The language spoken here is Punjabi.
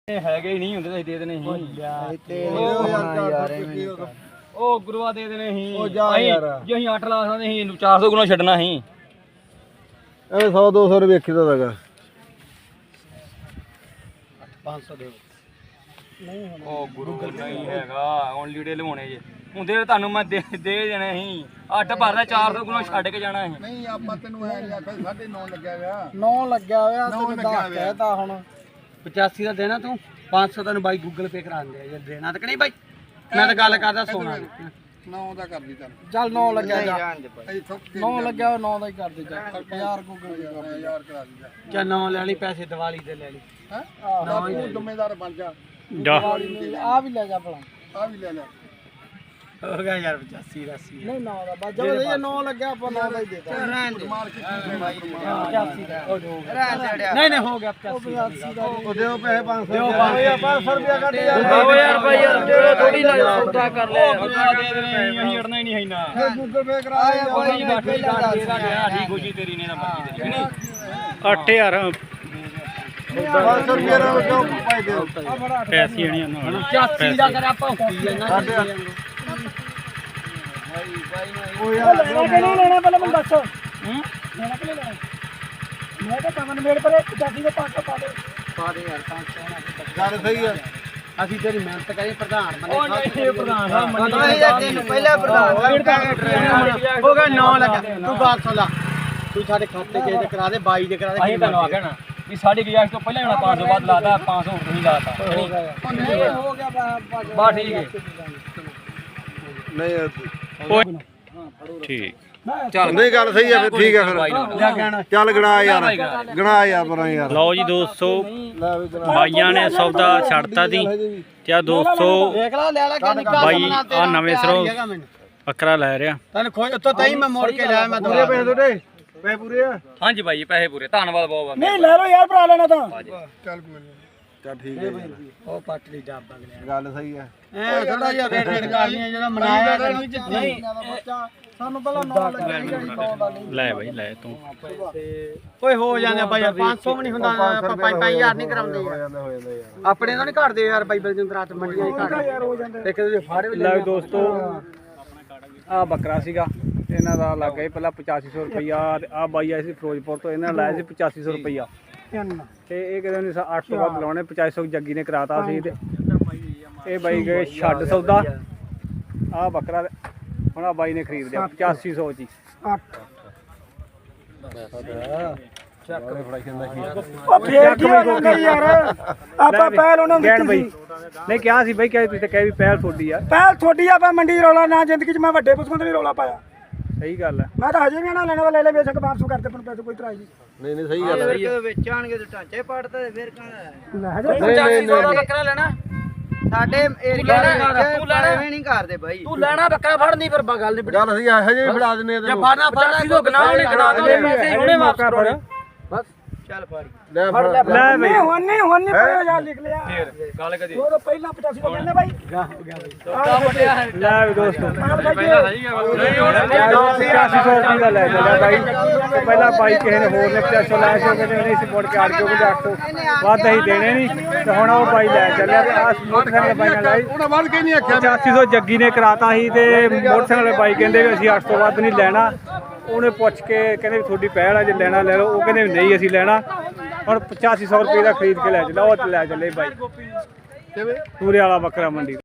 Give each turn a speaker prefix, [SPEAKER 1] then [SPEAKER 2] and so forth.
[SPEAKER 1] ਹੈਗੇ ਹੀ ਨਹੀਂ ਹੁੰਦੇ ਤਾਂ ਦੇ ਦੇਣੇ ਸੀ ਉਹ ਗੁਰੂਆ ਦੇ ਦੇਣੇ ਸੀ ਜੇ ਅਸੀਂ 8 ਲਾ ਸਕਦੇ ਸੀ 400 ਗੁਣਾ ਛੱਡਣਾ ਸੀ
[SPEAKER 2] ਐਵੇਂ 100 200 ਰੁਪਏ ਵੇਖੀ ਦਾ ਹੈਗਾ
[SPEAKER 1] 500 ਦੇ ਨਹੀਂ ਉਹ ਗੁਰੂ ਨਹੀਂ ਹੈਗਾ ਹੁਣ ਲੀੜੇ ਲਵਾਉਣੇ ਜੇ ਹੁੰਦੇ ਤੁਹਾਨੂੰ ਮੈਂ ਦੇ ਦੇਣੇ ਸੀ 8 ਭਰਦਾ 400 ਗੁਣਾ ਛੱਡ ਕੇ ਜਾਣਾ ਸੀ
[SPEAKER 2] ਨਹੀਂ ਆਪਾਂ ਤੈਨੂੰ ਐ ਨਹੀਂ ਆਖਿਆ 9.5 ਲੱਗਿਆ ਹੋਇਆ
[SPEAKER 3] 9 ਲੱਗਿਆ ਹੋਇਆ ਤੇ 10 ਕਹਿਤਾ ਹੁਣ
[SPEAKER 4] 85 ਦਾ ਦੇਣਾ ਤੂੰ 500 ਤੈਨੂੰ ਬਾਈ ਗੂਗਲ ਪੇ ਕਰਾ ਦਿੰਦੇ ਆ ਜੇ ਦੇਣਾ ਤਾਂ ਕਿ ਨਹੀਂ ਬਾਈ ਮੈਂ ਤਾਂ ਗੱਲ ਕਰਦਾ ਸੋਨਾ
[SPEAKER 2] 9 ਦਾ ਕਰ ਦੀ
[SPEAKER 3] ਚੱਲ 9 ਲੱਗਿਆ ਜਾ 9 ਲੱਗਿਆ 9 ਦਾ ਹੀ ਕਰ ਦੇ ਜਾ 1000 ਗੂਗਲ ਪੇ ਕਰ ਦੇ
[SPEAKER 2] 1000 ਕਰਾ ਦੀ
[SPEAKER 4] ਜਾਂ 9 ਲੈ ਲਈ ਪੈਸੇ ਦੀਵਾਲੀ ਦੇ ਲੈ ਲਈ
[SPEAKER 2] ਹੈ ਤੂੰ ਜ਼ਿੰਮੇਦਾਰ ਬਣ ਜਾ
[SPEAKER 3] ਆ ਵੀ ਲੈ ਜਾ ਭਲਾ
[SPEAKER 2] ਆ ਵੀ ਲੈ ਲੈ
[SPEAKER 4] ਹੋ ਗਿਆ ਯਾਰ 85 ਦਾ ਸੀ
[SPEAKER 3] ਨਹੀਂ 9 ਦਾ ਬਸ ਜਦੋਂ ਇਹ 9 ਲੱਗਿਆ ਆਪਾਂ 9 ਦਾ ਹੀ ਦੇਤਾ
[SPEAKER 2] ਮਾਰ ਕੇ
[SPEAKER 3] 85 ਦਾ
[SPEAKER 4] ਨਹੀਂ ਨਹੀਂ ਹੋ ਗਿਆ
[SPEAKER 3] 85 ਦਾ
[SPEAKER 2] ਉਹ ਦਿਓ ਪੈਸੇ 500
[SPEAKER 4] ਦਿਓ
[SPEAKER 2] 500 ਰੁਪਿਆ ਕੱਢ ਯਾਰ
[SPEAKER 1] ਆਓ ਯਾਰ ਭਾਈ ਯਾਰ ਥੋੜੀ ਸੌਦਾ ਕਰ ਲੈ ਦੇ ਦੇਣੇ ਅਸੀਂ ਅੜਨਾ ਹੀ ਨਹੀਂ ਹੈਨਾ
[SPEAKER 2] ਫਿਰ ਗੂਗਲ ਪੇ ਕਰਾ ਦੇ
[SPEAKER 1] ਕੋਈ ਬਾਕੀ ਗੱਲ ਤੇਰਾ ਗਿਆ ਠੀਕ ਖੁਸ਼ੀ ਤੇਰੀ ਨੇ ਤਾਂ ਮਰਜ਼ੀ ਤੇਰੀ ਨਹੀਂ
[SPEAKER 5] 8000
[SPEAKER 2] 500 ਰੁਪਿਆ ਨਾਲ ਕਿਉਂ ਪਾਈ ਦਿਓ
[SPEAKER 5] ਪੈਸੇ ਆਣੀਆਂ ਨਾ
[SPEAKER 4] 85 ਦਾ ਕਰ ਆਪਾਂ ਹੋਈ ਜਾਂਦਾ
[SPEAKER 2] ਉਹ ਯਾਰ
[SPEAKER 3] ਲੈਣਾ ਕਿ ਨਹੀਂ ਲੈਣਾ ਪਹਿਲਾਂ ਮੈਨੂੰ ਦੱਸ ਲੈਣਾ ਕਿ ਨਹੀਂ ਲੈਣਾ ਮੈਂ ਤਾਂ ਕਮਨ ਮੇੜ ਪਰ 85 ਦੇ 500 ਪਾ ਦੇ
[SPEAKER 4] ਪਾ ਦੇ ਯਾਰ 500
[SPEAKER 2] ਗੱਲ ਸਹੀ ਆ
[SPEAKER 4] ਅਸੀਂ ਤੇਰੀ ਮਿਹਨਤ ਕਰੀ ਪ੍ਰਧਾਨ ਬਣੇ
[SPEAKER 1] ਉਹ ਨਹੀਂ ਪ੍ਰਧਾਨ ਸਾਹਿਬ
[SPEAKER 4] ਤੈਨੂੰ ਪਹਿਲਾਂ ਪ੍ਰਧਾਨ ਹੋ ਗਿਆ 9 ਲੱਗਾ ਤੂੰ ਗੱਲ ਸੁਣ ਲਾ ਤੂੰ ਸਾਡੇ ਖਾਤੇ ਕਿਸੇ ਦੇ ਕਰਾ ਦੇ 22 ਦੇ ਕਰਾ ਦੇ
[SPEAKER 1] ਅਸੀਂ ਤੁਹਾਨੂੰ ਆਖਿਆ ਨਾ ਵੀ ਸਾਡੀ ਗੁਜਾਇਸ਼ ਤੋਂ ਪਹਿਲਾਂ ਹੀ 500 ਬਾਅਦ ਲਾਤਾ 500 ਹੋਰ ਤੁਸੀਂ ਲਾਤਾ
[SPEAKER 3] ਨਹੀਂ ਹੋ ਗਿਆ
[SPEAKER 1] ਬਾ ਠੀਕ ਹੈ
[SPEAKER 2] ਨਹੀਂ
[SPEAKER 5] ਠੀਕ
[SPEAKER 1] ਚੱਲ
[SPEAKER 2] ਨਹੀਂ ਗੱਲ ਸਹੀ ਆ ਫਿਰ ਠੀਕ ਆ ਫਿਰ ਚੱਲ ਗਣਾ ਯਾਰ ਗਣਾ ਯਾਰ ਪਰਾਂ ਯਾਰ
[SPEAKER 5] ਲਓ ਜੀ ਦੋਸਤੋ ਬਾਈਆਂ ਨੇ ਸੌਦਾ ਛੱਡਤਾ ਸੀ ਤੇ ਆ ਦੋਸਤੋ
[SPEAKER 4] ਦੇਖ ਲਾ ਲੈ ਲੈ ਕਿੰਨੀ
[SPEAKER 5] ਬਾਈ ਆ ਨਵੇਂ ਸਰੋਂ ਬੱਕਰਾ ਲੈ ਰਿਹਾ
[SPEAKER 4] ਤੈਨੂੰ ਖੋਜ ਉੱਤੋਂ ਤਾਂ ਹੀ ਮੈਂ ਮੋੜ ਕੇ ਲਿਆ ਮੈਂ
[SPEAKER 2] ਪੂਰੇ ਪੈਸੇ ਤੁਹਾਡੇ ਪੈਸੇ ਪੂਰੇ ਆ
[SPEAKER 1] ਹਾਂਜੀ ਭਾਈ ਪੈਸੇ ਪੂਰੇ ਧੰਨਵਾਦ ਬਹੁਤ
[SPEAKER 3] ਨਹੀਂ ਲੈ ਲਓ ਯਾਰ ਭਰਾ ਲੈਣਾ ਤਾਂ
[SPEAKER 2] ਚੱਲ ਕੋਈ ਨਹੀਂ ਚੱਲ ਠੀਕ ਹੈ
[SPEAKER 4] ਉਹ ਪਟਲੀ ਡੱਬ ਅਗਲੇ
[SPEAKER 2] ਗੱਲ ਸਹੀ ਆ
[SPEAKER 4] ਐ ਥੋੜਾ ਜਿਹਾ ਰੇਟ ਕਰਨੀਆਂ ਜਿਹੜਾ ਮਨਾਇਆ
[SPEAKER 3] ਨਹੀਂ ਸਾਨੂੰ ਪਹਿਲਾਂ 9 ਲੱਗਿਆ 9 ਦਾ ਨਹੀਂ
[SPEAKER 5] ਲੈ ਬਾਈ ਲੈ ਤੂੰ
[SPEAKER 4] ਓਏ ਹੋ ਜਾਂਦੇ ਬਾਈ 500 ਵੀ ਨਹੀਂ ਹੁੰਦਾ ਆਪਾਂ 5000 ਨਹੀਂ ਕਰਾਉਂਦੇ
[SPEAKER 2] ਹੋ
[SPEAKER 4] ਯਾਰ
[SPEAKER 2] ਜਾਂਦਾ ਹੋ ਜਾਂਦਾ ਯਾਰ
[SPEAKER 4] ਆਪਣੇ ਤਾਂ ਨਹੀਂ ਘਟਦੇ ਯਾਰ ਬਾਈ ਬਲਜਿੰਦਰ ਰਾਤ ਮੰਡੀਆਂ ਹੀ ਘਟਦੇ ਇੱਕ ਦੂਜੇ ਫਾੜੇ ਵੀ
[SPEAKER 5] ਲੈ ਦੋਸਤੋ ਆ ਬੱਕਰਾ ਸੀਗਾ ਇਹਨਾਂ ਦਾ ਲੱਗ ਗਿਆ ਪਹਿਲਾਂ 8500 ਰੁਪਈਆ ਆ ਬਾਈ ਆਏ ਸੀ ਫਿਰੋਜ਼ਪੁਰ ਤੋਂ ਇਹਨਾਂ ਨੇ ਲਾਇਆ ਸੀ 8500 ਰੁਪਈਆ ਤੇ ਇਹ ਕਹਿੰਦੇ ਨੇ 8 ਤੋਂ ਵੱਧ ਲਾਉਣੇ 8500 ਜੱਗੀ ਨੇ ਕਰਾਤਾ ਸੀ ਤੇ ਇਹ ਬਾਈ ਗਏ ਛੱਡ ਸੌਦਾ ਆ ਬੱਕਰਾ ਹੁਣ ਆ ਬਾਈ ਨੇ ਖਰੀਦ ਲਿਆ 8500 ਚ ਹੀ
[SPEAKER 3] 8 ਫੇਰ ਕੀ ਹੋ ਜਾਂਦਾ ਯਾਰ ਆਪਾਂ ਪਹਿਲ ਉਹਨਾਂ ਨੂੰ
[SPEAKER 5] ਗੈਣ
[SPEAKER 3] ਦਿੱਤੀ
[SPEAKER 5] ਬਾਈ
[SPEAKER 3] ਸੀ
[SPEAKER 5] ਨਹੀਂ ਕਿਹਾ ਸੀ ਬਾਈ ਕਹੇ ਤੁਸੀਂ ਤਾਂ ਕਹੇ ਵੀ ਪਹਿਲ ਤੁਹਾਡੀ ਆ
[SPEAKER 3] ਪਹਿਲ ਥੋੜੀ ਆਪਾਂ ਮੰਡੀ ਰੌਲਾ ਨਾ ਜ਼ਿੰਦਗੀ 'ਚ ਮੈਂ ਵੱਡੇ ਪੁੱਛਾਂ ਤੇ ਵੀ ਰੌਲਾ ਪਾਇਆ
[SPEAKER 5] ਸਹੀ ਗੱਲ ਹੈ
[SPEAKER 3] ਮੈਂ ਤਾਂ ਹਜੇ ਵੀ ਨਾ ਲੈਣਾ ਲੈ ਲੈ ਬੇਸ਼ੱਕ 500 ਕਰਦੇ ਪਰ ਪੈਸੇ ਕੋਈ ਤਰਾਈ ਨਹੀਂ
[SPEAKER 2] ਨਹੀਂ ਸਹੀ ਗੱਲ ਹੈ
[SPEAKER 4] ਜਦੋਂ ਵੇਚਾਣਗੇ ਤੇ ਢਾਂਚੇ ਪੜਦੇ ਤੇ ਫਿਰ ਕਹਣਾ
[SPEAKER 3] ਲੈ ਹਜੇ
[SPEAKER 4] 8500 ਦਾ ਬੱਕਰਾ ਲੈਣਾ ਸਾਡੇ ਏਰੀਆ ਦੇ ਵਿੱਚ ਐਵੇਂ ਨਹੀਂ ਕਰਦੇ ਬਾਈ ਤੂੰ ਲੈਣਾ ਬੱਕਰਾ ਫੜਨੀ ਫਿਰ ਗੱਲ ਨਹੀਂ
[SPEAKER 2] ਗੱਲ ਸਹੀ ਆ ਹਜੇ ਵੀ ਫੜਾ ਦਿੰਨੇ ਆ ਤੈਨੂੰ
[SPEAKER 4] ਫੜਨਾ ਕਿਦੋਂ ਗਨਾਹ ਨਹੀਂ ਕਰਾ ਦੋ ਪੈਸੇ ਹੁਣੇ ਵਾਪਸ ਕਰੋ ਬਸ ਚੱਲ ਫੜੀ
[SPEAKER 2] ਲੈ ਫੜ
[SPEAKER 5] ਲੈ ਬਈ
[SPEAKER 3] ਹੁਣ ਨਹੀਂ ਪੜਿਆ ਜਾ ਲਿਖ ਲਿਆ
[SPEAKER 1] ਫੇਰ ਗੱਲ ਕਦੀ
[SPEAKER 3] ਉਹ ਤਾਂ ਪਹਿਲਾਂ 85 ਦਾ ਕਹਿੰਦੇ ਬਾਈ
[SPEAKER 5] ਲੈ ਵੀ ਦੋਸਤੋ
[SPEAKER 1] ਪਹਿਲਾਂ ਸਹੀ ਗੱਲ ਨਹੀਂ ਹੁਣ
[SPEAKER 5] 8500 ਰੁਪਏ ਦਾ ਲੈ ਚੱਲਿਆ ਬਾਈ ਤੇ ਪਹਿਲਾਂ ਬਾਈ ਕਿਸੇ ਨੇ ਹੋਰ ਨੇ 8500 ਲਾਇਆ ਸੀ ਉਹ ਕਹਿੰਦੇ ਨਹੀਂ ਸਪੋਰਟ ਕੇ 800 ਵੱਧ ਅਸੀਂ ਦੇਣੇ ਨਹੀਂ ਤੇ ਹੁਣ ਉਹ ਬਾਈ ਲੈ ਚੱਲਿਆ ਤੇ ਆ ਮੋਟਰਸਾਈਕਲ ਬਾਈ ਨਾਲ ਲਾਈ
[SPEAKER 2] ਉਹਨਾਂ ਵੱਲ ਕੇ ਨਹੀਂ ਆਖਿਆ
[SPEAKER 5] 8500 ਜੱਗੀ ਨੇ ਕਰਾਤਾ ਸੀ ਤੇ ਮੋਟਰਸਾਈਕਲ ਵਾਲੇ ਬਾਈ ਕਹਿੰਦੇ ਵੀ ਅਸੀਂ 800 ਵੱਧ ਨਹੀਂ ਲੈਣਾ ਉਹਨੇ ਪੁੱਛ ਕੇ ਕਹਿੰਦੇ ਵੀ ਤੁਹਾਡੀ ਪਹਿਲ ਆ ਜੇ ਲੈਣਾ ਲੈ ਲਓ ਉਹ ਕਹਿੰਦੇ ਵੀ ਨਹੀਂ ਅਸੀਂ ਲੈਣਾ ਹੁਣ 8500 ਰੁਪਏ ਦਾ ਖਰੀਦ ਕੇ ਲੈ ਚੱਲਿਆ ਉਹ ਲੈ ਚੱਲੇ ਬਾਈ ਪੂਰੇ ਵਾਲਾ ਬੱਕਰਾ ਮੰਡੀ